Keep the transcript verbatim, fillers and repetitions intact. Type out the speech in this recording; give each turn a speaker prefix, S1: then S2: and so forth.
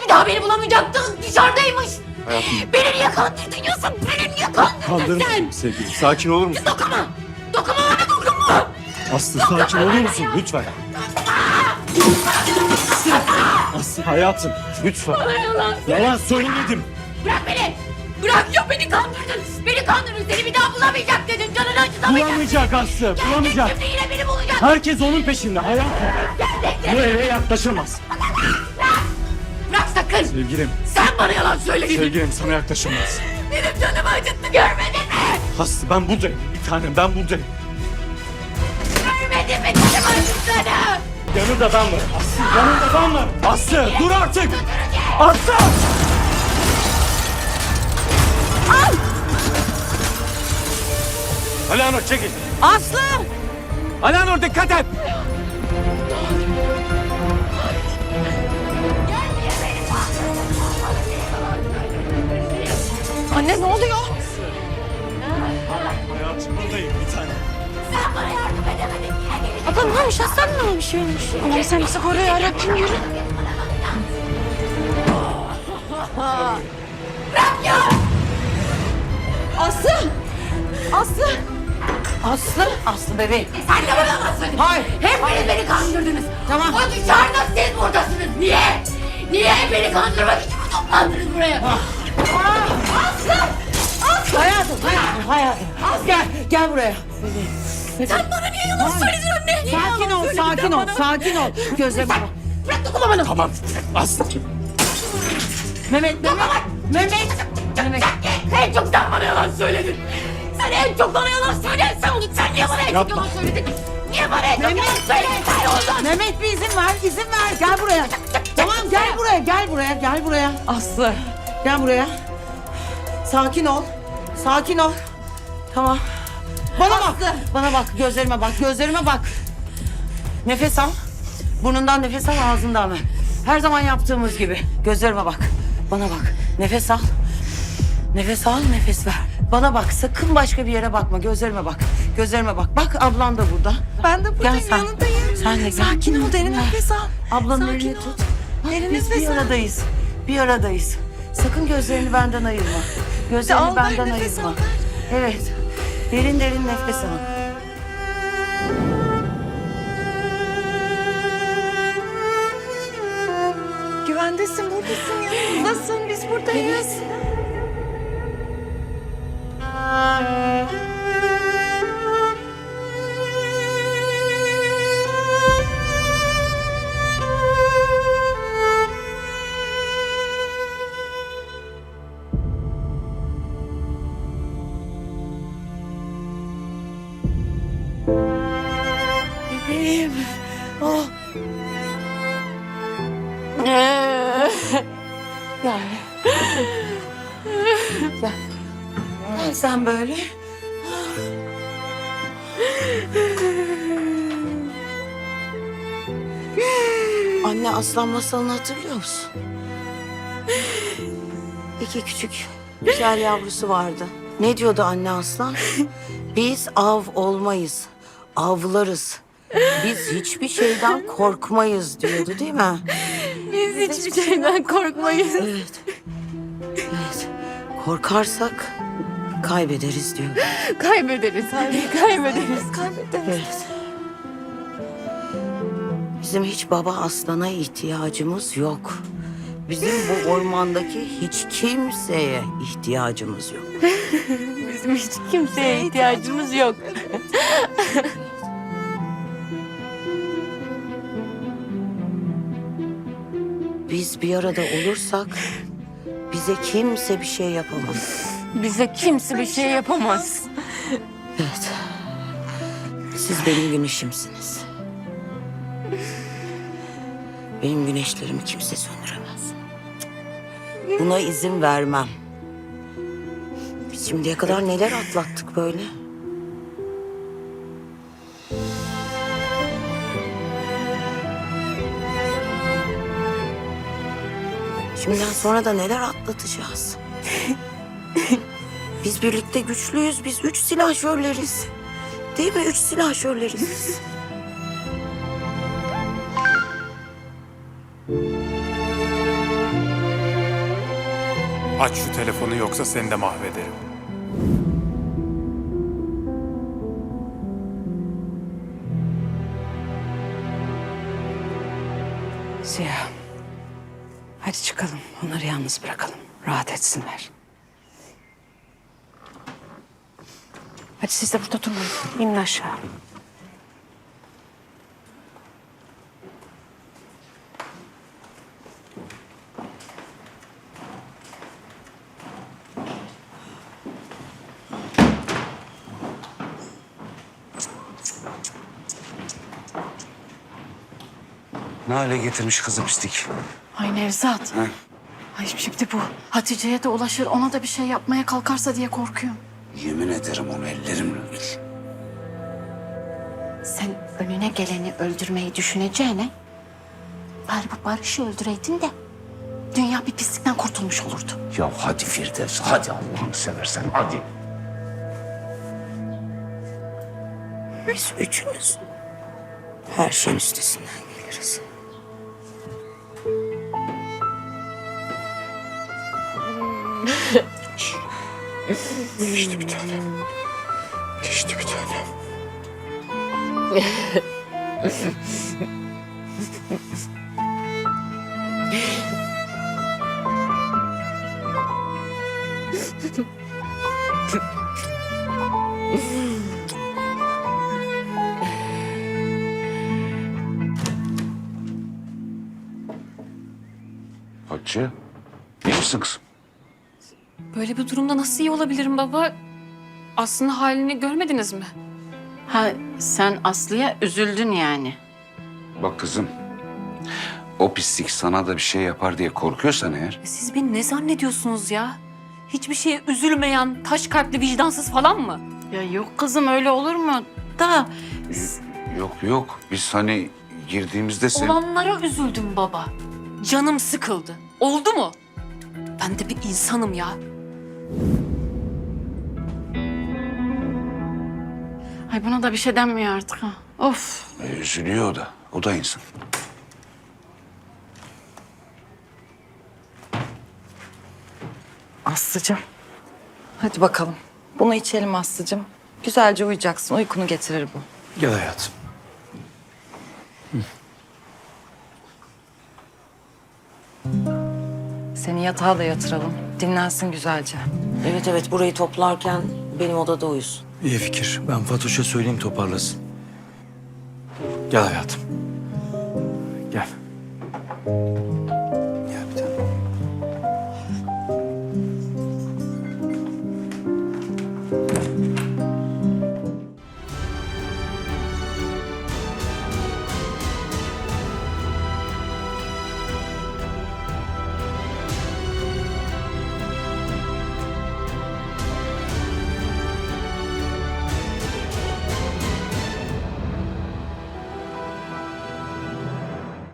S1: bir daha beni bulamayacaktın. Dışarıdaymış.
S2: Hayatım.
S1: Beni niye kandırdın Yusuf? Beni niye kandırdın
S2: Kandırma
S1: sen?
S2: sevgilim. Sakin olur musun?
S1: Dokunma. Dokunma bana dokunma.
S2: Aslı sakin olur musun? Lütfen. Aslı hayatım lütfen.
S1: Bana yalan.
S2: Yalan söylemedim.
S1: Bırak beni. Bırak ya beni kandırdın. Beni kandırdın. Seni bir daha bulamayacak dedin. Canını acıtamayacak.
S2: Bulamayacak Aslı. Bulamayacak.
S1: Şimdi yine beni bulacak.
S2: Herkes onun peşinde hayatım. Bu eve yaklaşamaz.
S1: Bırak sakın.
S2: Sevgilim.
S1: Sen bana yalan söyledin.
S2: Sevgilim sana yaklaşamaz.
S1: Benim canımı acıttı görmedin mi?
S2: Aslı ben buradayım. Bir tanem ben buradayım.
S1: Görmedin mi canımı acıttığını?
S2: Yanında ben varım. Aslı yanında ben varım. Aslı dur artık. Aslı. Alanur çekil.
S1: Aslı!
S2: Alanur dikkat et.
S1: Anne ne oluyor?
S2: Hayatım buradayım bir tane.
S1: Sen bana yardım edemedin. Niye gelin?
S3: Abla ne olmuş? Hasan ne olmuş? Ölmüş. Allah'ım sen bizi koru ya Rabbim yürü.
S1: Aslı! Aslı! Aslı! Aslı bebeğim. Sen de bana yalan söyledin. Hayır. Hepiniz beni kandırdınız. Tamam. O dışarıda siz buradasınız. Niye? Niye beni kandırmak için mi toplandınız buraya? Aslı! Aslı!
S4: Hayatım, hayatım, hayatım. Gel, gel buraya.
S1: Sen bana niye yalan söyledin anne? Niye
S4: Sakin
S1: yalan
S4: ol,
S1: söyledin
S4: sakin
S1: sen
S4: ol,
S1: bana?
S4: sakin ol. Gözlerime bak.
S1: Bırak dokunma bana.
S2: Tamam. Aslı.
S4: Mehmet, Mehmet, Mehmet. Mehmet.
S1: En çok sen bana yalan söyledin. Sen en çok bana yalan söyledin. Sen onu sen niye bana en çok
S2: Yapma.
S1: yalan söyledin? Niye bana en çok
S4: Mehmet.
S1: yalan söyledin? Sen oldun.
S4: Mehmet bir izin ver, izin ver. Gel buraya. Tamam, gel buraya, gel buraya, gel buraya.
S1: Aslı.
S4: Gel buraya. Sakin ol, sakin ol. Tamam. Bana bak, bana bak, gözlerime bak, gözlerime bak. Nefes al. Burnundan nefes al, ağzından ver. Her zaman yaptığımız gibi. Gözlerime bak, bana bak. Nefes al. Nefes al, nefes ver. Bana bak, sakın başka bir yere bakma. Gözlerime bak, gözlerime bak. Bak, ablan da burada.
S3: Ben de buradayım,
S4: Gel sen.
S3: yanındayım.
S4: Sen de gel.
S3: Sakin ol, derin nefes al.
S4: Ablanın
S3: Sakin
S4: elini
S3: ol.
S4: tut. Bak,
S3: Derin
S4: biz
S3: nefes
S4: bir
S3: al.
S4: aradayız. Bir aradayız. Sakın gözlerini benden ayırma. Gözlerini
S3: Al, ver,
S4: benden
S3: nefes
S4: ayırma.
S3: al, ver.
S4: Evet. Derin derin nefes al.
S3: Güvendesin, buradasın, yanımızdasın. Biz buradayız. Bebeğim. Oh. Gel. Gel.
S4: Gel sen böyle. Anne aslan masalını hatırlıyor musun? İki küçük güzel yavrusu vardı. Ne diyordu anne aslan? Biz av olmayız, avlarız. Biz hiçbir şeyden korkmayız diyordu değil mi?
S3: Biz hiçbir şeyden korkmayız.
S4: Evet. Evet. Korkarsak kaybederiz diyor.
S3: Kaybederiz anne, kaybederiz, kaybederiz.
S4: Evet. Bizim hiç baba aslana ihtiyacımız yok. Bizim bu ormandaki hiç kimseye ihtiyacımız yok.
S3: Bizim hiç kimseye ihtiyacımız yok.
S4: Biz bir arada olursak bize kimse bir şey yapamaz.
S3: Bize kimse bir şey yapamaz.
S4: Evet. Siz benim güneşimsiniz. Benim güneşlerimi kimse söndüremez. Buna izin vermem. Biz şimdiye kadar neler atlattık böyle? Şimdiden sonra da neler atlatacağız? Biz birlikte güçlüyüz. Biz üç silahşörleriz. Değil mi? Üç silahşörleriz biz.
S2: Aç şu telefonu yoksa seni de mahvederim.
S1: Ziya. Hadi çıkalım. Onları yalnız bırakalım. Rahat etsinler. Hadi siz de burada durmayın. İnin aşağı.
S5: Ne hale getirmiş kızı pislik.
S3: Ay Nevzat.
S5: Ha?
S3: Ay şimdi bu Hatice'ye de ulaşır, ona da bir şey yapmaya kalkarsa diye korkuyorum.
S5: Yemin ederim onu ellerimle öldür.
S3: Sen önüne geleni öldürmeyi düşüneceğine bari bu Barış'ı öldüreydin de dünya bir pislikten kurtulmuş olurdu.
S5: Ya hadi Firdevs, hadi Allah'ını seversen hadi.
S1: Biz üçümüz her şeyin üstesinden geliriz.
S5: Geçti bir tanem. Geçti bir tanem. Hatice, iyi misin kızım?
S6: Böyle bir durumda nasıl iyi olabilirim baba? Aslında halini görmediniz mi?
S3: Ha sen Aslı'ya üzüldün yani.
S5: Bak kızım, o pislik sana da bir şey yapar diye korkuyorsan eğer...
S6: Siz beni ne zannediyorsunuz ya? Hiçbir şeye üzülmeyen, taş kalpli, vicdansız falan mı?
S3: Ya yok kızım, öyle olur mu? Da
S5: Yok yok, biz hani girdiğimizde sen...
S6: Olanlara üzüldüm baba. Canım sıkıldı. Oldu mu? Ben de bir insanım ya.
S3: ay buna da bir şey denmiyor artık ha. Of.
S5: E, üzülüyor o da, o da insan.
S7: Aslıcığım. Hadi bakalım. Bunu içelim Aslıcığım. Güzelce uyuyacaksın. Uykunu getirir bu.
S2: Gel hayatım.
S7: Seni yatağa da yatıralım. Dinlensin güzelce.
S4: Evet evet, burayı toplarken benim odada uyusun.
S2: İyi fikir. Ben Fatoş'a söyleyeyim toparlasın. Gel hayatım.